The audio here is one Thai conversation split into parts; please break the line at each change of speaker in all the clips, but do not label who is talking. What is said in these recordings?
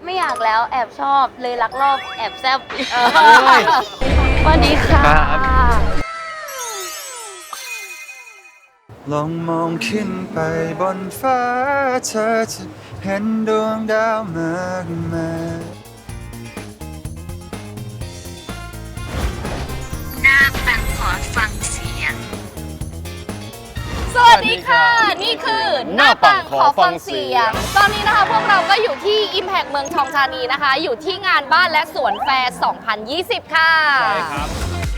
ไม่อยากแล้วแอบชอบเลยลักลอบแอบแซบสวัสดีค่ะ
ลองมองขึ้นไปบนฟ้าเธอจะเห็นดวงดาวมากมาย
หน้าปังขอฟังเสียงสวัสดีค่ะนี่คือหน้าปังขอฟังเสียงตอนนี้นะคะพวกเราก็อยู่ที่ Impact เมืองทองธานีนะคะอยู่ที่งานบ้านและสวนแฟร์ 2020 ค่ะใช่ครับ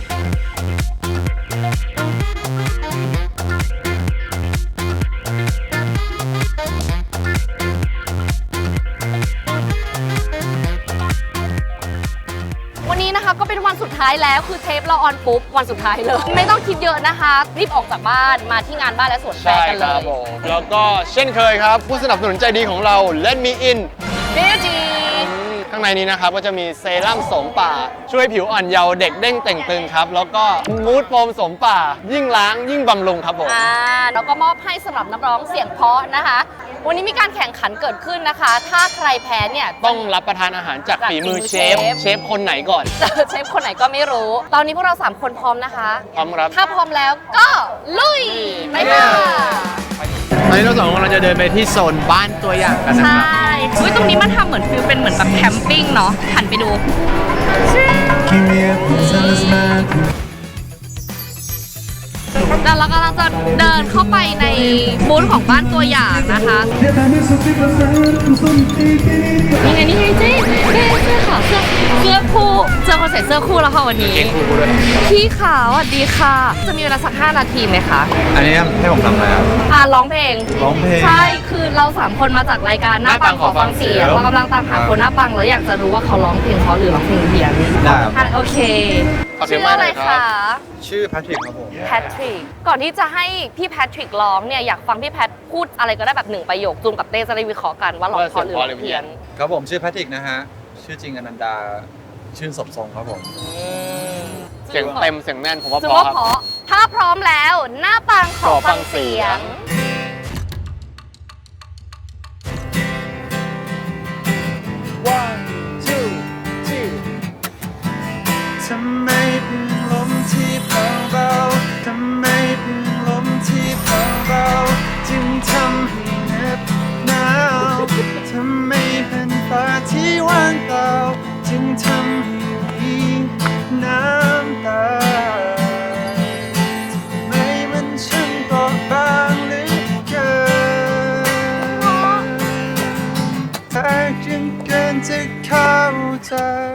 วันนี้นะคะก็เป็นวันสุดท้ายแล้วคือเทปเราออนปุ๊บวันสุดท้ายเลยไม่ต้องคิดเยอะนะคะรีบออกจากบ้านมาที่งานบ้านและสวนแฟร์กันเลย
แล้วก็เช่นเคยครับผู้สนับสนุนใจดีของเรา Let Me In
เบจี
ข้างในนี้นะครับก็จะมีเซรั่มโสมป่าช่วยผิวอ่อนเยาว์เด็กเด้งเต่งตึงครับแล้วก็มูดโฟมโสมป่ายิ่งล้างยิ่งบำรุงครับผม
แล้วก็มอบให้สำหรับนักร้องเสียงเพราะนะคะวันนี้มีการแข่งขันเกิดขึ้นนะคะถ้าใครแพ้เนี่ย
ต้องรับประทานอาหารจากฝีมือเชฟคนไหนก่อน
เชฟคนไหนก็ไม่รู้ตอนนี้พวกเรา3คนพร้อมนะคะ
พร้อมครับ
ถ้าพร้อมแล้วก็ลุยไปค่ะ
ตอนนี้เราสองคนเราจะเดินไปที่โซนบ้านตัวอย่างกันนะครับ
ใช่ตรงนี้มันทำเหมือนฟิลเป็นเหมือนแบบแคมปิ้งเนาะหันไปดูแล้วเรากำลังจะเดินเข้าไปในบูธของบ้านตัวอย่างนะคะนี่ไงเจ๊เสื้อขาวเสื้อคู่เจอคนใส่เสื้อคู่แล้วค่ะวันนี้พี่ขาวสวัสดีค่ะจะมีเวลาสัก5 นาทีไหมคะ
อันนี้ให้ผมทำอะไรครับ
ร้องเพลงใช่คือเรา3คนมาจากรายการหน้าปังขอฟังเสียงเรากำลังตามหาคนหน้าปังแล้วอยากจะรู้ว่าเขาร้องเพลงเพราะหรือร้องเพลงเพี้ยนโอเคชื่ออะไรคะ
ชื่อแพทริกครับผม
แพทริกก่อนที่จะให้พี่แพทริกร้องเนี่ยอยากฟังพี่แพทพูดอะไรก็ได้แบบ1 ประโยคจูนกับเต้จะได้วิเคราะห์กันว่าร้องเพราะหรือร้องเพี้ยน
ครับผมชื่อแพทริกนะฮะชื่อจริงอนันดาชื่นสมทรงครับผม
เสียงเต็มเสียงแน่นผมว่าเพ
ราะถ้าพร้อมแล้วหน้าปังขอฟังเสียง
ทำไมเป็นลมที่เบาๆทำไมเป็นลมที่เบาๆจึงทำให้เหน็บหนาวทำไมเป็นฟ้าที่ว่างเปล่าจึงทำให้มีน้ำตาทำไมมันช่างเปราะบางเหลือเกินถ้าจึงเกินจะเข้าใจ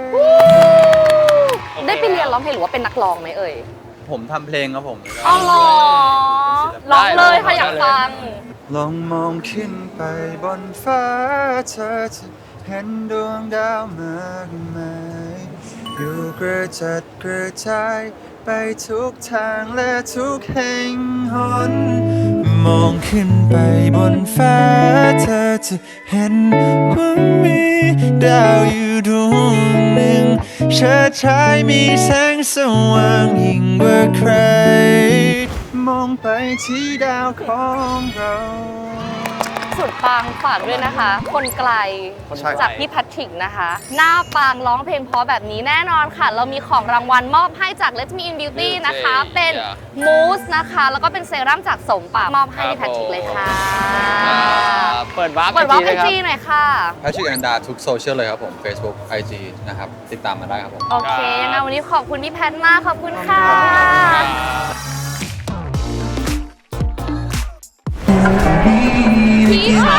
ได้ไปเรียนร้องเพลงหรือว่าเป็นนักร้องไหมเอ่ย
ผมทำเพลงครับผม
อ๋อร้องเลยค่ะอยากฟัง
ลองมองขึ้นไปบนฟ้าเธอจะเห็นดวงดาวมากมายอยู่กระจัดกระจายไปทุกทางและทุกแห่งหนมองขึ้นไปบนฟ้าเธอจะเห็นว่ามีดาวอยู่ดวงหนึ่งเชิดชายมีแสงสว่างยิ่งกว่าใครมองไปที่ดาวของเรา
สุดปังฝากด้วยนะคะคนไกลจากพี่แพทริกนะคะหน้าปังร้องเพลงเพราะแบบนี้แน่นอนค่ะเรามีของรางวัลมอบให้จาก Let Me In Beauty นะคะเป็นมูสนะคะแล้วก็เป็นเซรั่มจากสมป่ามอบให้พี่แพทริกเลยค่ะ
เปิดวาร์ป
ไอจีหน่อยค่ะ
แพทริกอันดาทุกโซเชียลเลยครับผม Facebook IG นะครับติดตามมาได้ครับผม
โอเคยังไงวันนี้ขอบคุณพี่แพทมากขอบคุณค่ะพี่ค่ะ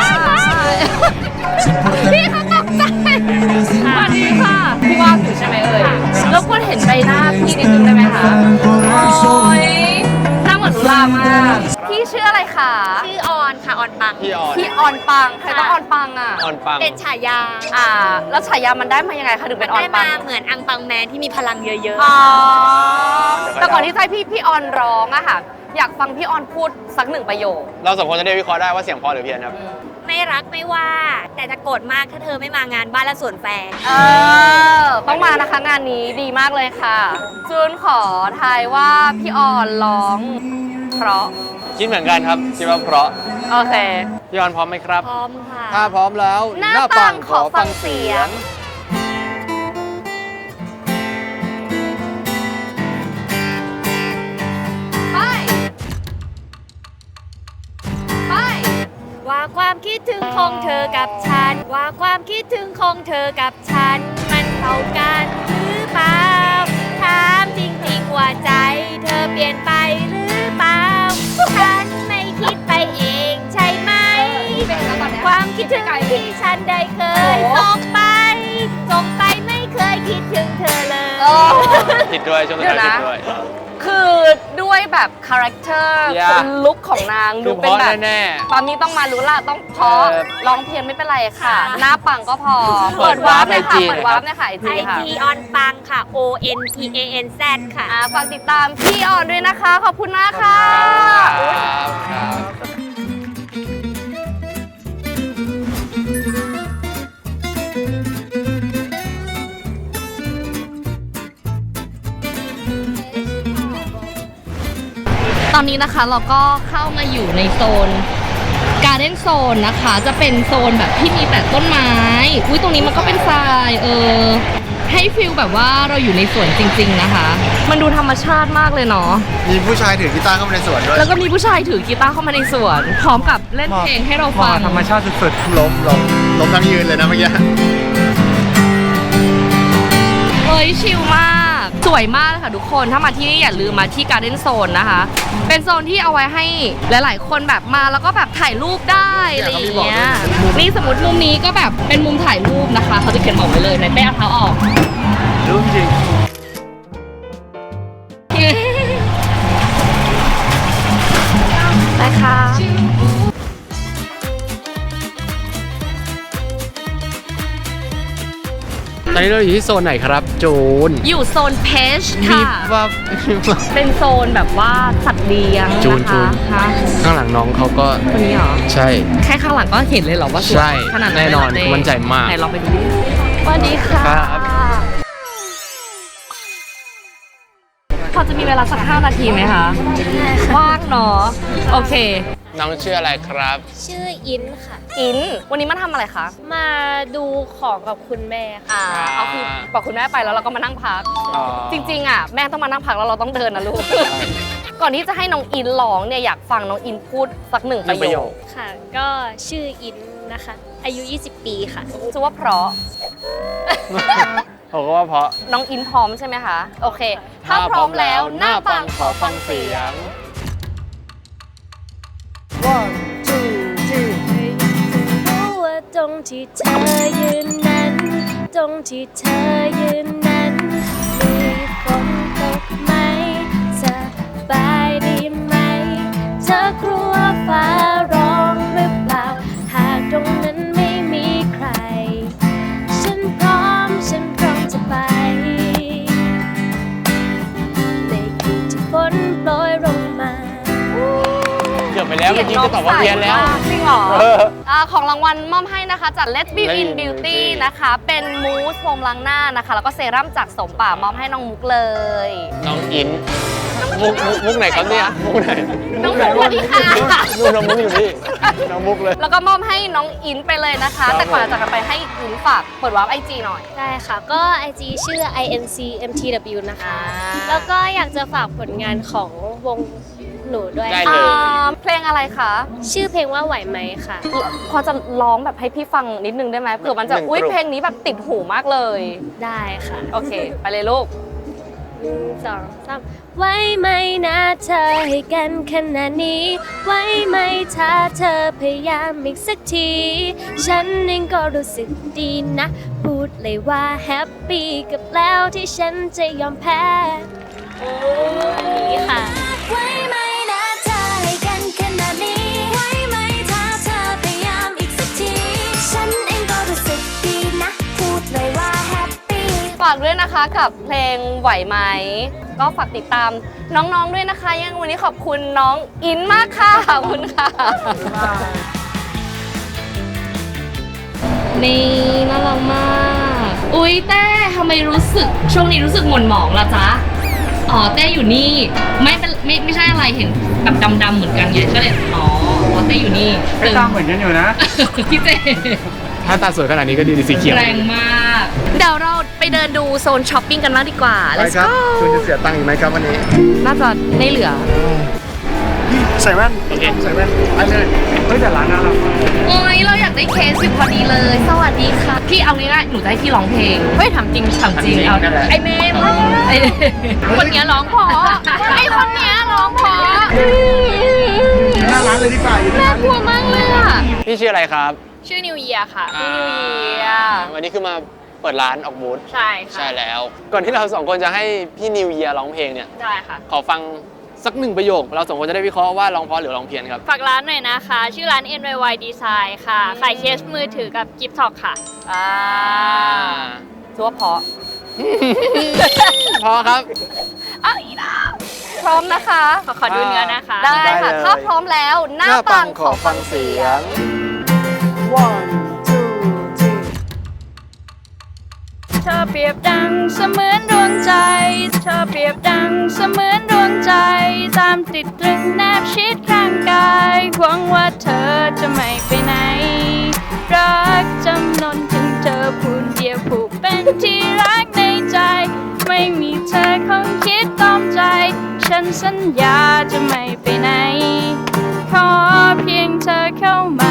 พี่เขาตกใจสวัสดีค่ะพี่ว่างอยู่ใช่ไหมเอ่ยรบกวนเห็นใบหน้าพี่นิดนึงได้ไหมคะโอ้ยหน้าเหมือนลุลามากพี่ชื่ออะไรคะ
ชื่อออนค่ะออนปัง
พี่
ออนปังใครต้องออนปังอ่ะ
ออนปัง
เป็นฉายา
แล้วฉายามันได้มายังไงคะถึงเป็นออนปัง
ได้มาเหมือนอังปังแมนที่มีพลังเยอะ
ๆแต่ก่อนที่จะให้พี่ออนร้องอะค่ะอยากฟังพี่ออนพูดสัก1 ประโยค
เราสองคนจะได้วิเคราะห์ได้ว่าเสียงเพราะหรือเพี้ยนครับ
ไม่รักไม่ว่าแต่จะโกรธมากถ้าเธอไม่มางานบ้านและสวนแฟร์
ต้องมานะคะงานนี้ดีมากเลยค่ะจูนขอทายว่าพี่ออนร้องเพราะ
คิดเหมือนกันครับคิดว่าเพราะ
โอเค
พี่ออนพร้อมไหมครับ
พร้อมค่ะ
ถ้าพร้อมแล้ว
หน้าปังขอฟังเสียง ไป ไป
ว่าความคิดถึงของเธอกับฉัน ว่าความคิดถึงของเธอกับฉัน มันเท่ากันหรือเปล่า ถามจริงๆว่าใจ เธอเปลี่ยนไปหรือเปล่า ฉันไม่คิดไปเองใช่ไหม ความคิดถึงที่ฉันได้เคยส่งไปไม่เคยคิดถึงเธอเลย
ผิดด้วยช่วง
เดี๋
ท้าย
ยวนะ
ผิดด้วย
คือด้วยแบบคาแรคเตอร์
อย่า
เป็นลุคของนาง
ดู
ดู
เพ
เป็น
ราะ
แบบ
แน่
ตอนนี้ต้องมารู้ละต้องเพราะ ร้องเพียงไม่เป็นไรค่ะ หน้าปังก็พอ
เปิดวาร์ป
เลยค่ะ
IG
เปิดวาร์ปเลยค่ะไอ
ไอ
จีค่ะ
ทีออนปังค่ะ ONPANZ ค่ะ
ฝากติดตามพี่ออนด้วยนะคะ ขอบคุณมากค่ะ
ๆ
อุ๊ย
ครับ
ตอนนี้นะคะเราก็เข้ามาอยู่ในโซนการ์เด้นโซนนะคะ จะเป็นโซนแบบที่มีแต่ต้นไม้ อุ้ยตรงนี้มันก็เป็นทรายให้ฟิลแบบว่าเราอยู่ในสวนจริงๆนะคะ มันดูธรรมชาติมากเลยเนาะ
มีผู้ชายถือกีตาร์เข้ามาในสวนด้วย
แล้วก็มีผู้ชายถือกีตาร์เข้ามาในสวน พร้อมกับเล่นเพลงให้เราฟัง
ธรรมชาติสุดๆล้มทั้งยืนเลยนะเมื่อกี้
เฮ้ยชิลมาก สวยมากเลยค่ะทุกคนถ้ามาที่นี่อย่าลืมมาที่การ์เด้นโซนนะคะ เป็นโซนที่เอาไว้ให้หลายๆ คนแบบมาแล้วก็แบบถ่ายรูปได้อะไรอย่างเงี้ยนี่สมมติมุมนี้ก็แบบเป็นมุมถ่ายรูปนะคะ เขาจะเขียนบอกไว้เลยในเป้เอาเท้าออก
รู้จริง
ได้ค่ะ
ตอนนี้เราอยู่ที่โซนไหนครับจูน
อยู่โซนเพช
มี
ค่ะ
ว่า
เป็นโซนแบบว่าสัตว์เลี้ยง
จูน
นะคะ
จูน
ฮะ
ข้างหลังน้องเขาก็
คนนี้เหรอ
ใช่
แค่ข้างหลังก็เห็นเลยเหรอว่าสวย
ใช่
ขนาด
แน่นอน
เลยเหร
มั่นใจมาก
ไหนลองไปดูดิสวัสดีค่ะ
ครับ
พอจะมีเวลาสัก5 นาทีไหมคะว่างเนาะโอเค
น้องชื่ออะไรครับ
ชื่ออินค่ะ
อิน วันนี้มาทำอะไรคะ
มาดูของกับคุณแม่ค่ะ
เอาคือบอกคุณแม่ไปแล้วเราก็มานั่งพัก จริงๆอ่ะแม่ต้องมานั่งพักแล้วเราต้องเดินนะลูก ก่อนที่จะให้น้องอินร้องเนี่ยอยากฟังน้องอินพูดสักหนึ่งประโยค
ค่ะ ก็ชื่ออินนะคะ อายุ 20 ปีค่ะ
ชื่อว่าเพราะ
ผมก็ว่าเพราะ
น้องอินพร้อมใช่ไหไหมคะ โอเค ถ้าพร้อมแล้วหน้าปังขอฟังเสียง
รู้ว่าตรงที่เธอยืนนั้น ตรงที่เธอยืนนั้น มีฝนตกไหมสบายดีไหม เธอกลัวฟ้าร้องหรือเปล่า หากตรงนั้นไม่มีใคร ฉันพร้อมจะไป ในคืนที่ฝนโปรยลงมา
เกือบไปแล้วเมื่อกี้จะตอบว่าเพี้ยนแล้ว
จริงเหรอ
เออ
ของรางวัลมอบให้นะคะจาก Let's Be
Let's
In
Be
Beauty
Beauty
นะคะ เป็นมูสโฟมล้างหน้านะคะ แล้วก็เซรั่มจากสมป่ามอบให้น้องมุกเลย
น้องอินมุกไหนครับเนี่ยมุกไหน
น้องมุกสวัสดีค่ะ
นู่นน้องมุกอยู่นี่น้องมุกเลย
แล้วก็มอบให้น้องอินไปเลยนะคะ
ครับ
แต่ก่อนจะจากกันไปให้อินฝากเปิดวาร์ปไอจีหน่อย
ได้ค่ะ ก็ IG ชื่อ INCMTW นะคะ
อ่า
แล้วก็อยากจะฝากผลงานของวงหนูด้วย
ได้เลย
เพลงอะไรคะ
ชื่อเพลงว่าไหวไหมค่ะ
พอจะร้องแบบให้พี่ฟังนิดนึงได้ไหมเผื่อมันจะ
หนึ่ง
อุ้ย
กรุ๊ป
เพลงนี้แบบติดหูมากเลย
ได้ค่ะ
โอเค ไปเลยลูก
1 2 3ไหวไหมนะเธอให้กันขนาดนี้ ไหวไหมถ้าเธอพยายามอีกสักที ฉันเองก็รู้สึกดีนะ พูดเลยว่าแฮปปี้กับแล้วที่ฉันจะยอมแพ้นี้ค่ะ
ไว้ไหมนะเธอให้กันขนาดนี้ ไว้ไหมถ้าเธอพยายามอีกสักที ฉันเองก็รู้สึกดีนะ พูดเลยว่าแฮปปี้
ฝากด้วยนะคะกับเพลงไหวไหม ก็ฝากติดตามน้องๆด้วยนะคะ ยังวันนี้ขอบคุณน้องอินมากค่ะ ขอบคุณค่ะ นี่น่ารักมาก อุ๊ยเต้ทำไมรู้สึกช่วงนี้รู้สึกหม่นหมองล่ะจ๊ะ อ๋อเต้อยู่นี่ไม่ใช่อะไรเห็นแบบดำๆเหมือนกันไงก็เลยอ๋อบอกว่าเต้อยู่นี่
ไม่ตามเหมือนกันอยู่นะ
พี่เจ
ถ้าตาสวยขนาดนี้ก็ดีสีเขียว
แรงมาก เดี๋ยวเราไปเดินดูโซนช้อปปิ้งกันบ้างดีกว่า
ไป
Let's
ครับ
go
คุณจะเสียตังค์อีกไหมครับวันนี้
น่าจะไม่เหลือ
ใส่แว่น
โอเค
ใส่แว่นไปเลยเฮ้ยแต่ร้านน่ารักมาก
โอ้ยเราอยากได้เคสอยู่พอดีเลย สวัสดีค่ะ พี่เอาง่ายๆหนูจะให้พี่ร้องเพลง เฮ้ยถามจริงถามจริงเอา
นั่นแหละ
ไอเมย์ไอ้คนเนี้ยร้องเพอไอคนเนี้ยร้องเพอ
หน้าร้านเลยดีกว่าอยู่ใน
น่า
ร้าน
กลัวมากเลยอ่ะ
พี่ชื่ออะไรครับ
ชื่อนิวเยียค่ะ
พี่นิวเยียร์
วันนี้คือมาเปิดร้านออกบูธ
ใช่ค่ะ
ใช่แล้ว ก่อนที่เราสองคนจะให้พี่นิวเยียร้องเพลงเนี่ย
ได้ค่ะ
ขอฟังสักหนึ่งประโยค เราสองคนจะได้วิเคราะห์ว่าร้องเพราะหรือร้องเพี้ยนครับ
ฝากร้านหน่อยนะคะ ชื่อร้าน NYY Design ค่ะ ขายเคสมือถือกับกิฟต์ท็อกค่ะ
ชัวร์เพราะ
พอครับ
อ้าวอีดาพร้อมนะคะ
ขอดูเนื้อนะคะ
ได้
ได้
ค่ะ
เลย
ถ้าพร้อมแล้ว หน้าปังขอฟังเสียง
เธอเปรียบดังเสมือนดวงใจ เธอเปรียบดังเสมือนดวงใจ ตามติดตรึงแนบชิดข้างกายหวังว่าเธอจะไม่ไปไหน รักจำนนถึงเธอผู้เดียวผู้เป็นที่รักในใจ ไม่มีเธอคงคิดตอมใจ ฉันสัญญาจะไม่ไปไหน ขอเพียงเธอเข้ามา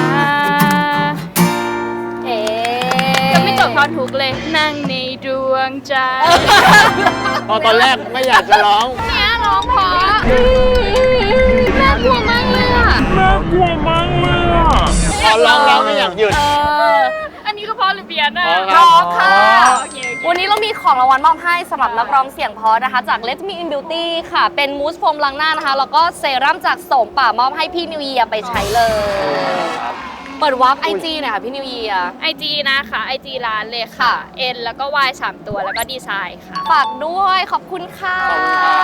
เอ๊
จะไม่จบทอนทุกเลย นั่งในดวงใจ
ตอนแรกไม่อยากจะร้อง
เนี้ยร้องเพราะน่ากลัวมากเลยอ่ะ
พอร้องไม่อยากหยุด
อันนี้ก็เพราะหรือเบียร์นะ
พอ
ร้องค่ะ
โอเค
วันนี้เรามีของรางวัลมอบให้สำหรับนักร้องเสียงเพราะนะคะ จาก Let Me In Beauty ค่ะ เป็นมูสโฟมล้างหน้านะคะ แล้วก็เซรั่มจากโสมป่ามอบให้พี่นิวเยียร์ไปใช้เลย เปิดวาร์ปไอจีหน่อยค่ะพี่นิวเยียร์
IG นะคะ IG ร้านเลยค่ะ N แล้วก็ Y 3 ตัวแล้วก็ดีไซน์ค่ะ
ฝากด้วยขอบคุณค่ะ
ขอบคุณครับ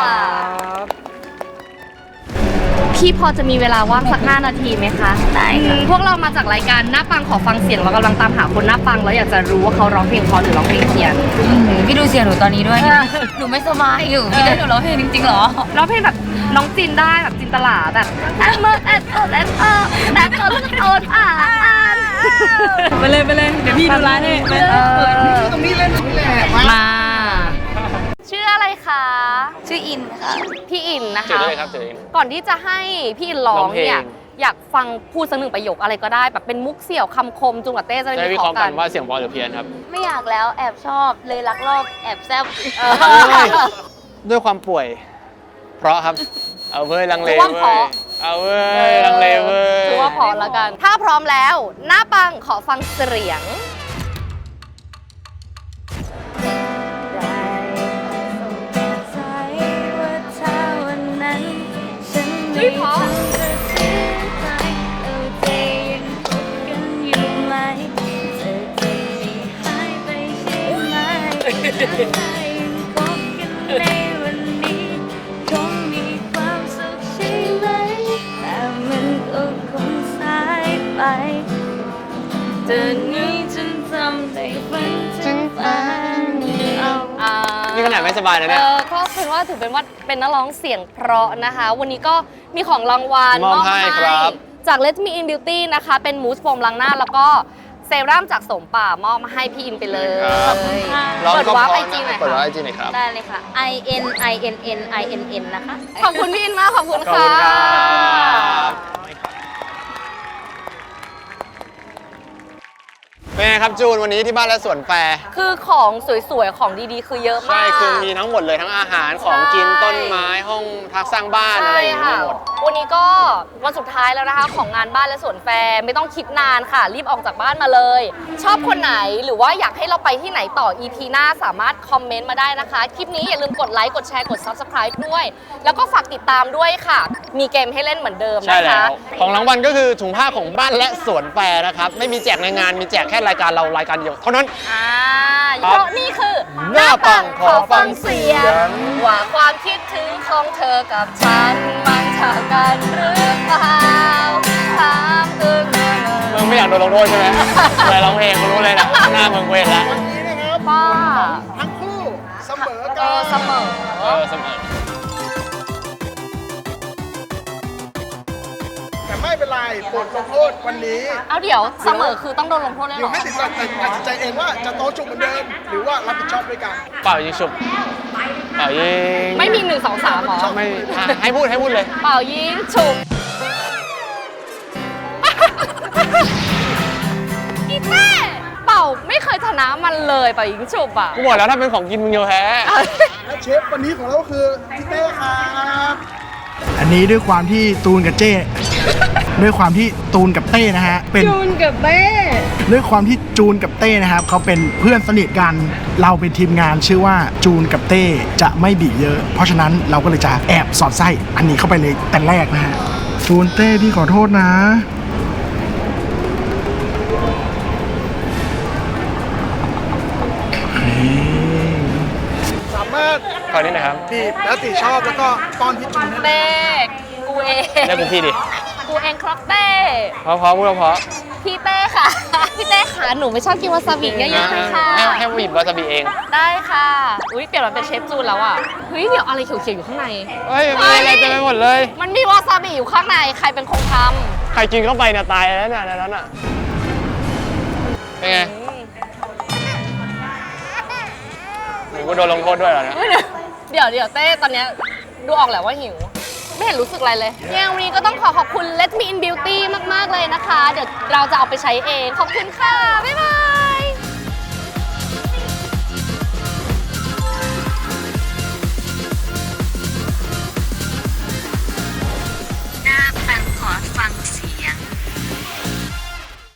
พี่พอจะมีเวลาว่างสัก5 นาทีไหมคะ ได้ค่ะ พวกเรามาจากรายการหน้าปังขอฟังเสียงเรากำลังตามหาคนหน้าปังแล้วอยากจะรู้ว่าเขาร้องเพลงเพราะหรือร้องเพลงเพี้ยน
พี่ดูเสียงหนูตอนนี้ด้วย หนูไม่สบายอยู่ พี่ได้หนูร้องเพลงจริงๆเหรอ
ร้องเพลงแบบน้องจินได้แบบจินตลาแบบแอดเมิร์ดแอดเอิร์ดแอดเอิร์ดแอดเอิร์ดโอนอ่าน
ไปเลยไปเลย เดี๋ยวพี่ดูร้านให้ไป
ตรงนี้เล่นตรงนี้แหละมา
มา ชื่ออะไรคะ
ชื่ออินค่ะ
พี่อินนะ
เจอ
คะ
ได้เลยครับเจอได้เลย
ก่อนที่จะให้พี่อินร้องเนี่ย
ร้องเพลง
อยากฟังพูดสักหนึ่งประโยคอะไรก็ได้แบบเป็นมุกเสี่ยวคำคมจุงกับเต้จะได้
จะได้
วิ
วิ
เค
เค
ราะ
ราะ
ห์
ห์
กั
กัน นว่าเสียงเพราะหรือเพี้ยนครับ
ไม่อยากแล้วแอบชอบเลยรักรอบแอบแซบ
ด้วยความป่วย เพราะครับ เอาเว้ยลังเล
ถือว่า
เว้
เพราะ
ยเอาเว้ยลังเลเว้ย
ถือว่าพอแล้วกัน ถ้าพร้อมแล้ว หน้าปังขอฟังเสียง เฮ้ยเพราะ
เธอนี้ฉันทำได้ฝันถึงฝันเอา
อ่า
นี่ขนาดไม่สบายนะเนี่ย
ก็คือว่าถือเป็นว่าเป็นนักร้องเสียงเพราะนะคะ วันนี้ก็มีของรางวัล
มอบให้ครับ
จาก Let Me In Beauty นะคะ เป็นมูสโฟมล้างหน้า แล้วก็เซรั่มจากโสมป่ามอบมาให้พี่อินไปเลย
ครับ ร้อง
เปิด
ก็
วาร์ป
เพ
ไอ
ราะ
จี
นะ
หน่อย
เปิดวาร์ป
ค่ะ
ไอจีหน่อยครับ
ได้เลยค่ะ I N I N N I N N นะคะ
ขอบคุณพี่อินมาก ขอบคุณ
ขอบ
ค่ะ
คุณครับเป็นไงครับจูนวันนี้ที่บ้านและสวนแฟร์
คือของสวยๆ ของดีๆ คือเยอะมาก
ใช่คือมีทั้งหมดเลยทั้งอาหารของกิน
ใช่
ต้นไม้ห้องพักสร้างบ้านอะไรอย่างเงี้ยหมด
วันนี้ก็วันสุดท้ายแล้วนะคะ ของงานบ้านและสวนแฟร์ไม่ต้องคิดนานค่ะ รีบออกจากบ้านมาเลย ชอบคนไหนหรือว่าอยากให้เราไปที่ไหนต่อ EP หน้าสามารถคอมเมนต์มาได้นะคะ คลิปนี้อย่าลืมกดไลค์กดแชร์กด Subscribe ด้วย แล้วก็ฝากติดตามด้วยค่ะ มีเกมให้เล่นเหมือนเดิม
ใช่
นะ
แล้
คะ
ว ของรางวัลก็คือถุงผ้าของบ้านและสวนแฟร์นะครับ ไม่มีแจกในงานมีแจกแค่รายการเรารายการเดียวเท่านั้น
เพราะนี่คือ
หน้าปังขอฟังเสียง
ว่าความคิดถึงของเธอกับฉันมันเท่ากันหรือเปล่าถามอึ้ง
มึงไม่อยากโดนลงโทษใช่ไหมเวลาร้องเพลงกูรู้เลยนะหน้ามึงเวรแล้ว
วันนี้นะครับ
ป้า
ทั้งคู่เสมอ
เอ
กั
อน เสมอ
เสมอ
แต่
ไม่เป็นไรบทลงโทษวันนี้
เอาเดี๋ยวเสมอคือต้องโดนลงโทษเลย
อ
เหร
ยู่
อ
ไม่ติดใจแต่ตัดสินใจเองว่าจะโต๊ะจุกเหมือนเดิม หรือว่ารับผิดชอบด้วยกัน
เป่ายิงฉุบเป่ายิง
ไม่มี1 2 3หรอ
ไม่ให้พูดเลย
เป่ายิงฉุบอีเต้เป่าไม่เคยชนะมันเลยเป่ายิงฉุบอ่ะ
กูบอกแล้วถ้าเป็นของกินมึงจะแพ้
และเชฟวันนี้ของเราก็คือพี่เต้ครับ
อันนี้ด้วยความที่ตูนกับเจ้ ด้วยความที่ตูนกับเต้นะฮะเป็นจูนกับเต้ด้วยความที่จูนกับเต้นะครับเขาเป็นเพื่อนสนิทกันเราเป็นทีมงานชื่อว่าจูนกับเต้จะไม่บีบเยอะ เพราะฉะนั้นเราก็เลยจะแอบสอดไส้อันนี้เข้าไปเลยแต่แรกนะฮะจูนเต้พี่ขอโทษนะ
สามารถ
ขอนิดหน่อยครับ
บีบแล้วติชอบแล้วก็ป้อนพี่จูนได้เลย
เต้กูเอง
เรียกกูพี่ดิ
กูเองครับเต้
เพราะพูดเพราะ
พี่เต้ค่ะ พี่เต้ค่ะหนูไม่ชอบกินวาซาบิเยอะๆเลยค่ะ
ให้บีบวาซาบิเอง
ได้ค่ะ อุ้ยเปลี่ยนมาเป็นเชฟจูนแล้วอ่ะ เฮ้ย เดี๋ยวอะไรเขียวๆอยู่ข้างใน
เฮ้ยมีอะไรเต็มไปหมดเลย
มันมีวาซาบิอยู่ข้างใน ใครเป็นคนท
ใครกินเข้าไปเนี่ยตายแล้วเนี่ยในนั้นอ่ะ เป็นไง
ำ
หนูกูโดนลงโทษด้วยเหรอเนี่ย
เดี๋ยวเต้ตอนเนี้ยดูออกแหละว่าหิว ไม่เห็นรู้สึกอะไรเลยเนี่ยวันนี้ก็ต้องขอบคุณ Let Me In Beauty มากๆเลยนะคะ เดี๋ยวเราจะเอาไปใช้เอง ขอบคุณค่ะ บ๊ายบาย